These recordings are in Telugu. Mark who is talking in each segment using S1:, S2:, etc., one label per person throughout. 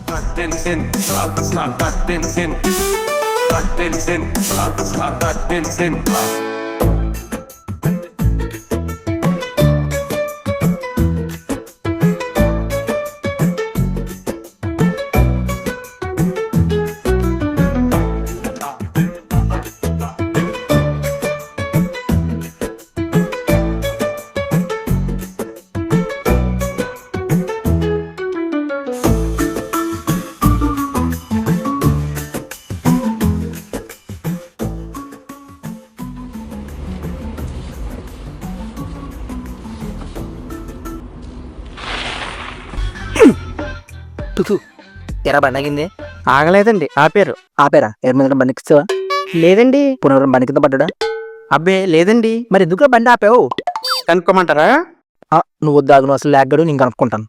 S1: తెరా బండగింది
S2: ఆగలేదండి ఆపారు.
S1: ఆపేరా ఎర్ర మీద బండికిస్తావా?
S2: లేదండి.
S1: పునరం బండి కింద పడ్డా?
S2: అబ్బే లేదండి.
S1: మరి ఎందుకు బండి ఆపావు?
S2: కనుక్కోమంటారా?
S1: నువ్వు వద్దాగు, నువ్వు అసలు లాగ్గాడు, నేను కనుక్కుంటాను.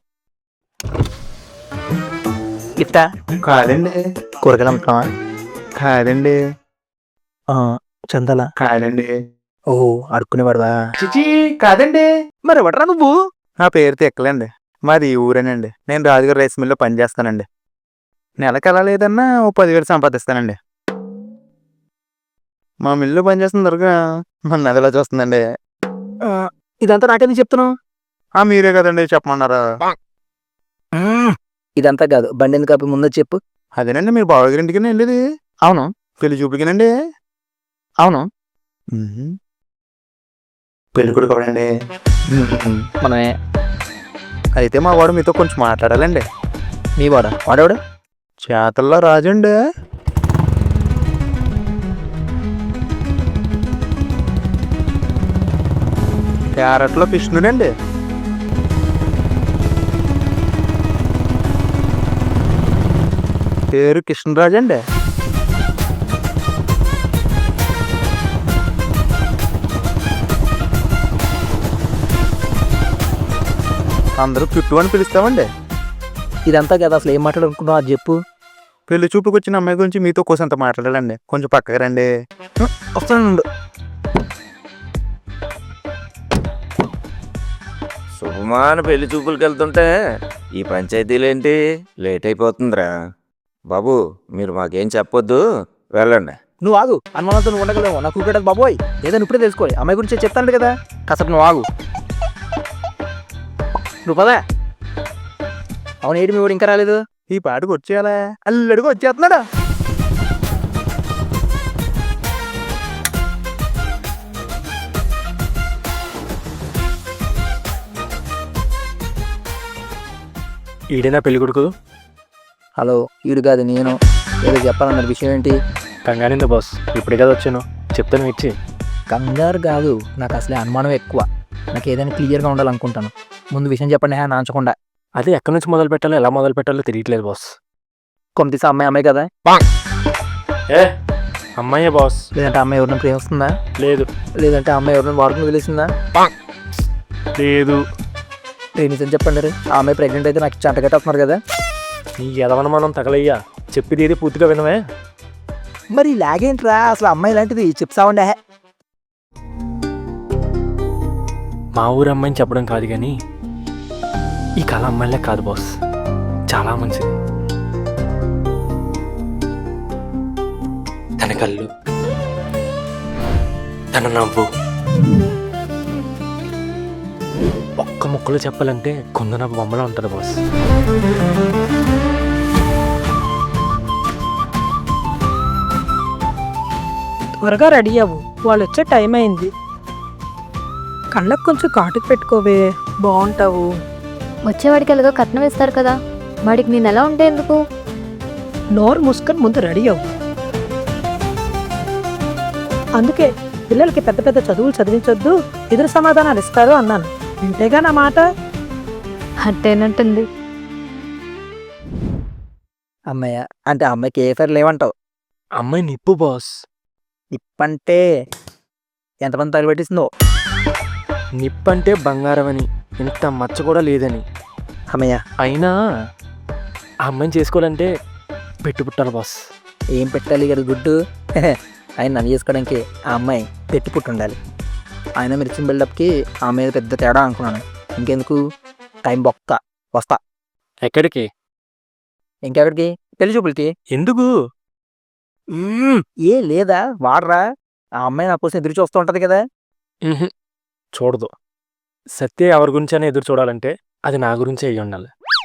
S1: గిఫ్టా?
S2: కాదండి.
S1: కూరగాయలు అమ్ముతావా?
S2: కాదండి.
S1: చందలా?
S2: కాదండి.
S1: ఓహో, అడుక్కునేవాడువా?
S2: చిచి కాదండి.
S1: మరి ఎవడరా నువ్వు?
S2: నా పేరు తెక్కలండి. మాది ఈ ఊరేనండి. నేను రాజుగారి రైస్ మిల్లో పనిచేస్తానండి. నెలకు ఎలా లేదన్నా ఓ 10,000 సంపాదిస్తానండి. మా మిల్లు పనిచేస్తున్న దొరక మన నదిలో చూస్తుందండి.
S1: ఇదంతా నాకెందుకు చెప్తున్నావు?
S2: మీరే కదండి చెప్పమన్నారా?
S1: ఇదంతా కాదు, బండి ఎందుకు ఆపి ముందు చెప్పు.
S2: అదేనండి, మీరు బావగారి ఇంటికి వెళ్ళేది
S1: అవును.
S2: పెళ్లి చూపులకేనండి.
S1: అవును.
S2: పెళ్లి కొడుకు ఎవడండి?
S1: మనమే.
S2: అయితే మా వాడు మీతో కొంచెం మాట్లాడాలండి.
S1: మీ వాడా? వాడేవాడు?
S2: చేతల్లో రాజండి. క్యారెట్లో కృష్ణుడండి. పేరు కృష్ణరాజు అండి. అందరూ చుట్టూ అని పిలుస్తామండి.
S1: ఇదంతా కదా, అసలు ఏం మాట్లాడుకుంటున్నావు అది చెప్పు.
S2: పెళ్లి చూపుకి వచ్చిన అమ్మాయి గురించి మీతో కోసంత మాట్లాడాలండి. కొంచెం పక్కకి రండి.
S1: వస్తాను.
S3: శుభమాన పెళ్లి చూపులకి వెళ్తుంటే ఈ పంచాయతీలేంటి లేట్ అయిపోతుందిరా బాబు. మీరు మాకేం చెప్పొద్దు, వెళ్ళండి.
S1: నువ్వు ఆగు, అనుమానంతో నువ్వు ఉండగలేవు. నాకు కూకటది బాబోయ్, ఏదైనా ఇప్పుడే తెలుసుకోవాలి. అమ్మాయి గురించి చెప్తాను కదా, కాసేపు నువ్వు ఆగు. నువ్వు పదా. అవును, ఏంటి మీ వాడు ఇంకా రాలేదు?
S2: ఈ పాటకు వచ్చేయాలా? అల్లడికి వచ్చేస్తున్నాడా?
S4: ఈడేనా పెళ్లి కొడుకు?
S1: హలో, ఈడు కాదు, నేను. ఏదో చెప్పాలన్న విషయం ఏంటి?
S4: కంగానిందా బాస్, ఇప్పుడే కదా వచ్చాను, చెప్తాను ఇచ్చి.
S1: కంగారు కాదు, నాకు అసలే అనుమానం ఎక్కువ. నాకు ఏదైనా క్లియర్గా ఉండాలనుకుంటాను. ముందు విషయం చెప్పండి, నాంచకుండా.
S4: అదే ఎక్కడి నుంచి మొదలు పెట్టాలో, ఎలా మొదలు పెట్టాలో తెలియట్లేదు బాస్.
S1: కొంత అమ్మాయి కదా?
S4: ఏ అమ్మాయే బాస్.
S1: లేదంటే అమ్మాయి ఎవరిని ప్రేమిస్తుందా?
S4: లేదు.
S1: లేదంటే అమ్మాయి ఎవరిని వాడుకుని వదిలేసిందా?
S4: లేదు.
S1: నిజం చెప్పండి, ఆ అమ్మాయి ప్రెగ్నెంట్ అయితే నాకు చంటగట్టేస్తున్నారు కదా.
S4: నీ ఎదవనమానం తగలయ్యా, చెప్పేది ఏది పూర్తిగా వినవే.
S1: మరి ఇలాగేంట్రా, అసలు అమ్మాయి లాంటిది చెప్తావండే.
S4: మా ఊరు అమ్మాయిని చెప్పడం కాదు కానీ ఈ కళ అమ్మాయిలే కాదు బాస్, చాలా మంచిది. తన కళ్ళు, తన నవ్వు, ఒక్క ముక్కలో చెప్పాలంటే కొందన బొమ్మలా ఉంటుంది బాస్.
S5: త్వరగా రెడీ అవ్వు, వాళ్ళు వచ్చే టైం అయింది. కళ్ళకు కొంచెం కాటుకు పెట్టుకోవే, బాగుంటావు.
S6: వచ్చేవాడికి ఎలాగో కట్నం ఇస్తారు కదా, వాడికి నేను ఎలా ఉంటే ఎందుకు?
S5: నోరు మూసుకొని ముందు రెడీ అవ్వు. అందుకే పిల్లలకి పెద్ద పెద్ద చదువులు చదివించొద్దు, ఎదురు సమాధానాలు ఇస్తారు అన్నాను. వింటేగా నా మాట.
S6: అంటేనంటుంది.
S1: అమ్మాయ అంటే అమ్మాయికి ఏ ఫైర్ లేవంటావు?
S4: అమ్మాయి నిప్పు బాస్.
S1: నిప్పంటే ఎంతమంది తగలబెట్టిస్తుందో.
S4: నిప్పంటే బంగారం అని, ఇంత మచ్చ కూడా లేదని.
S1: అమ్మయ్య,
S4: అయినా ఆ అమ్మాయిని చేసుకోవాలంటే పెట్టు పుట్టాలి బాస్.
S1: ఏం పెట్టాలి కదా గుడ్డు? ఆయన నన్ను చేసుకోవడానికి ఆ అమ్మాయి పెట్టి పుట్టుండాలి. ఆయన మీరు ఇచ్చిన బిల్డప్కి ఆ మీద పెద్ద తేడా అనుకున్నాను. ఇంకెందుకు టైం బొక్క, వస్తా.
S4: ఎక్కడికి?
S1: ఇంకెక్కడికి? పెళ్లి చూపులకి.
S4: ఎందుకు?
S1: ఏ లేదా వాడరా, ఆ అమ్మాయి నా కోసం ఎదురు చూస్తూ ఉంటది కదా.
S4: ఉహుం, చూడదు. సత్య ఎవరి గురించి అని ఎదురు చూడాలంటే అది నా గురించే అయ్యి ఉండాలి.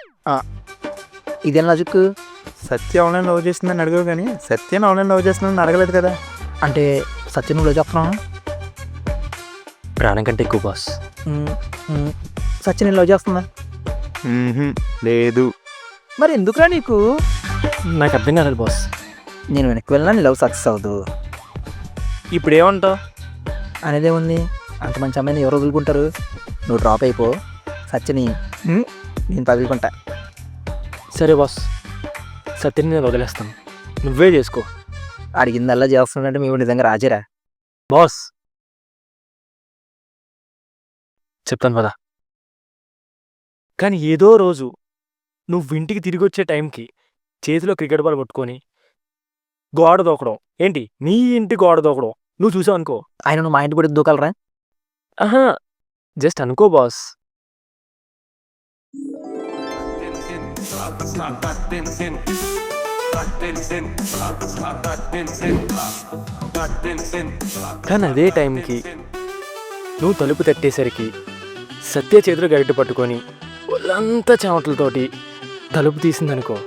S1: ఇదేం లాజిక్?
S2: సత్య ఆన్లైన్ లవ్ చేసిందని అడిగావు కానీ సత్యని ఆన్లైన్ లవ్ చేస్తుందని అడగలేదు కదా.
S1: అంటే సత్యం నువ్వు చెప్తున్నావు?
S4: ప్రాణం కంటే ఎక్కువ బాస్.
S1: సత్యం నేను లవ్ చేస్తున్నా.
S2: లేదు.
S1: మరి ఎందుకురా నీకు?
S4: నాకు అర్థం కాలేదు బాస్.
S1: నేను వెనక్కి వెళ్ళినా నీ లవ్ సక్సెస్ అవ్వదు.
S4: ఇప్పుడు ఏమంటావు?
S1: అనేదేముంది, అంత మంచి అమ్మాయిని ఎవరు వదులుకుంటారు? నువ్వు డ్రాప్ అయిపో, సత్యని నేను పగులుకుంటా.
S4: సరే బాస్, సత్యని నేను వదిలేస్తాను, నువ్వే చేసుకో.
S1: అడిగిందల్లా చేస్తున్నాడంటే మేము నిజంగా రాజేరా.
S4: బాస్ చెప్తాను కదా. కానీ ఏదో రోజు నువ్వు ఇంటికి తిరిగి వచ్చే టైంకి చేతిలో క్రికెట్ బాల్ పట్టుకొని గోడ దూకడం, ఏంటి నీ ఇంటి గోడ దూకడం నువ్వు చూసావు అనుకో.
S1: ఆయన నువ్వు మా ఇంటి కూడా దూకలరా?
S4: ఆహా, జస్ట్ అనుకో బాస్. కానీ అదే టైంకి నువ్వు తలుపు తట్టేసరికి సత్య చేతిలో గరిటె పట్టుకొని ఒళ్ళంతా చెమటలతోటి తలుపు తీసిందనుకో.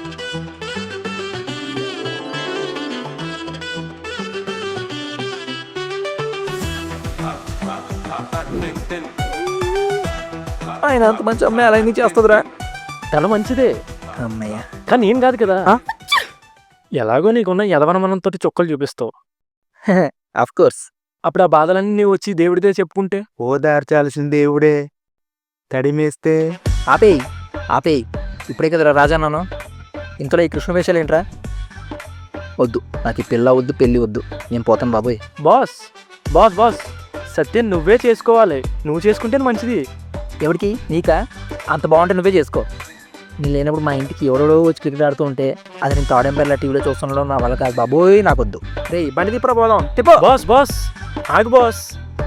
S1: ఆయన అంత మంచి అమ్మాయి అలా ఎందుకు చేస్తుందిరా?
S4: తన మంచిదే,
S1: అమ్మయ్య.
S4: కానీ ఏం కాదు కదా. ఎలాగో నీకున్న యదవనమనంతో చుక్కలు చూపిస్తావు.
S1: Of course.
S4: అప్పుడు ఆ బాధలన్నీ నీవు వచ్చి దేవుడిదే చెప్పుకుంటే
S2: ఓదార్చాల్సిన దేవుడే తడిమేస్తే.
S1: ఆపేయి ఆపేయి, ఇప్పుడే కదరా రాజా నాను. ఇంతలో ఈ కృష్ణ వేషాలు ఏంట్రా? వద్దు, నాకు ఈ పిల్ల వద్దు, పెళ్ళి వద్దు, నేను పోతాను బాబోయ్.
S4: బాస్ బాస్ బాస్ సత్యం నువ్వే చేసుకోవాలి, నువ్వు చేసుకుంటే మంచిది.
S1: ఎవరికి? నీకా? అంత బాగుంటే నువ్వే చేసుకో. నేను లేనప్పుడు మా ఇంటికి ఎవరెవడో వచ్చి క్రికెట్ ఆడుతూ ఉంటే అది నేను థర్డ్ ఎంపైర్ల టీవీలో చూస్తుండడం నా వల్ల కాదు బాబోయ్, నాకు వద్దు. రే బండి తిప్పరా పోదాం. తిప్పో.
S4: బాస్ బాస్ ఆగు బాస్.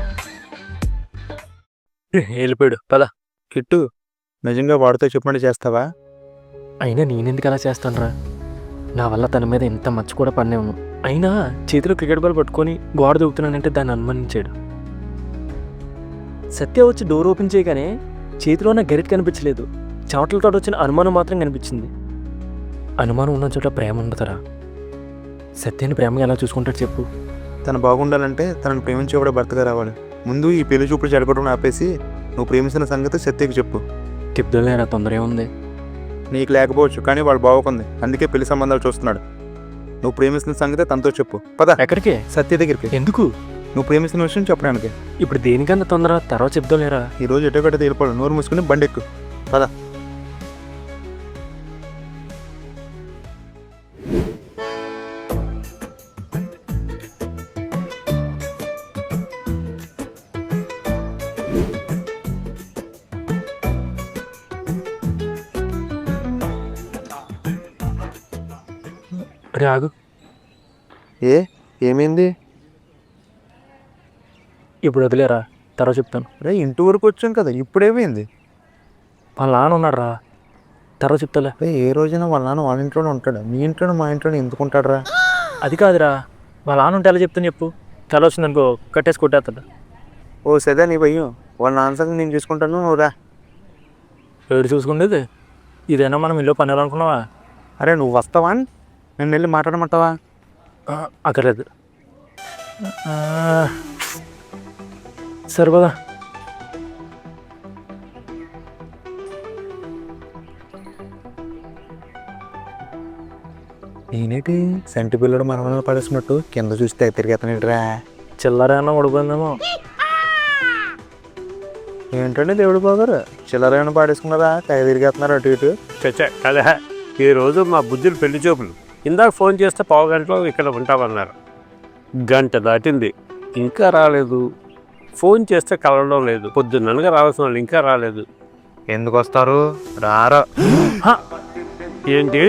S4: వెళ్ళిపోయాడు పద.
S2: కిట్టు, నిజంగా వాడితో చెప్పండి చేస్తావా?
S4: అయినా నేనెందుకు అలా చేస్తానురా? నా వల్ల తన మీద ఎంత మచ్చ కూడా పడినేవును. అయినా చేతిలో క్రికెట్ బాల్ పట్టుకొని గోడ దూకుతున్నానంటే దాన్ని అనుమానించాడు. సత్య వచ్చి డోర్ ఓపెన్ చేయగానే చేతిలో ఉన్న గరిట కనిపించలేదు, చెమటలతో వచ్చిన అనుమానం మాత్రం కనిపించింది. అనుమానం ఉన్న చోట ప్రేమ ఉండదురా. సత్యాన్ని ప్రేమగా ఎలా చూసుకుంటాడు చెప్పు?
S2: తను బాగుండాలంటే తనను ప్రేమించేవాడే భర్తగా రావాలి. ముందు ఈ పెళ్లి చూపులు చెడగొట్టడం ఆపేసి నువ్వు ప్రేమించిన సంగతి సత్యకి చెప్పు.
S4: చెప్తులేరా, తొందర ఏముంది?
S2: నీకు లేకపోవచ్చు, కానీ వాడు బాగుంది, అందుకే పెళ్లి సంబంధాలు చూస్తున్నాడు. నువ్వు ప్రేమిస్తున్న సంగతి తనతో చెప్పు. పద.
S4: ఎక్కడికే?
S2: సత్య దగ్గరికి.
S4: ఎందుకు?
S2: నువ్వు ప్రేమిస్తున్న విషయం చెప్పడానికి.
S4: ఇప్పుడు దేనికన్నా తొందర, తర్వాత చెప్తాలేరా.
S2: ఈరోజు ఎటో గట్ట తేలిపోవాలి, నోరు మూసుకుని బండి ఎక్కు. పద.
S4: అరే ఆగు.
S2: ఏమైంది?
S4: ఇప్పుడు వదిలేరా, తర్వాత చెప్తాను.
S2: రే ఇంటి వరకు వచ్చాం కదా, ఇప్పుడేమైంది?
S4: వాళ్ళ నాన్న ఉన్నాడు రా, తర్వాత చెప్తాలే.
S2: రే ఏ రోజైనా వాళ్ళ నాన్న వాళ్ళ ఇంట్లోనే ఉంటాడు, మీ ఇంట్లోనే మా ఇంట్లోనే ఎందుకు ఉంటాడు రా?
S4: అది కాదురా, వాళ్ళ నాన్న ఉంటే ఎలా చెప్తాను చెప్పు? తల వచ్చిందనుకో కట్టేసి కొట్టేస్తాడు.
S2: ఓ సదా నీ భయ్యం, వాళ్ళ నాన్న సంగతి నేను చూసుకుంటాను, నువ్వు రా.
S4: ఏడు చూసుకుండేది ఇదేనా మనం ఇల్లు పని అనుకున్నావా?
S2: అరే నువ్వు వస్తావా? నేను వెళ్ళి మాట్లాడమంటావా?
S4: అక్కర్లేదు. సరిపదా.
S2: నేనేటి సెంటి పిల్లడు మనమని పడేసినట్టు కింద చూస్తే తిరిగేతనేట్రా?
S4: చిల్లరేమన్నా ఉడిపోయిందేమో.
S2: ఏంటంటే దేవుడు బాగారు, చిల్లర ఏమైనా పాడేసుకున్నారా? తెగ తిరిగేస్తున్నారు అటు ఇటు.
S7: చచ్చా కదా, ఈరోజు మా బుద్ధులు పెళ్లి చూపులు. ఇందాక ఫోన్ చేస్తే పావు గంటలో ఇక్కడ ఉంటామన్నారు. గంట దాటింది ఇంకా రాలేదు. ఫోన్ చేస్తే కలవడం లేదు. పొద్దున్ననగా రావాల్సిన వాళ్ళు ఇంకా రాలేదు.
S2: ఎందుకు వస్తారు? రారా.
S7: ఏంటి?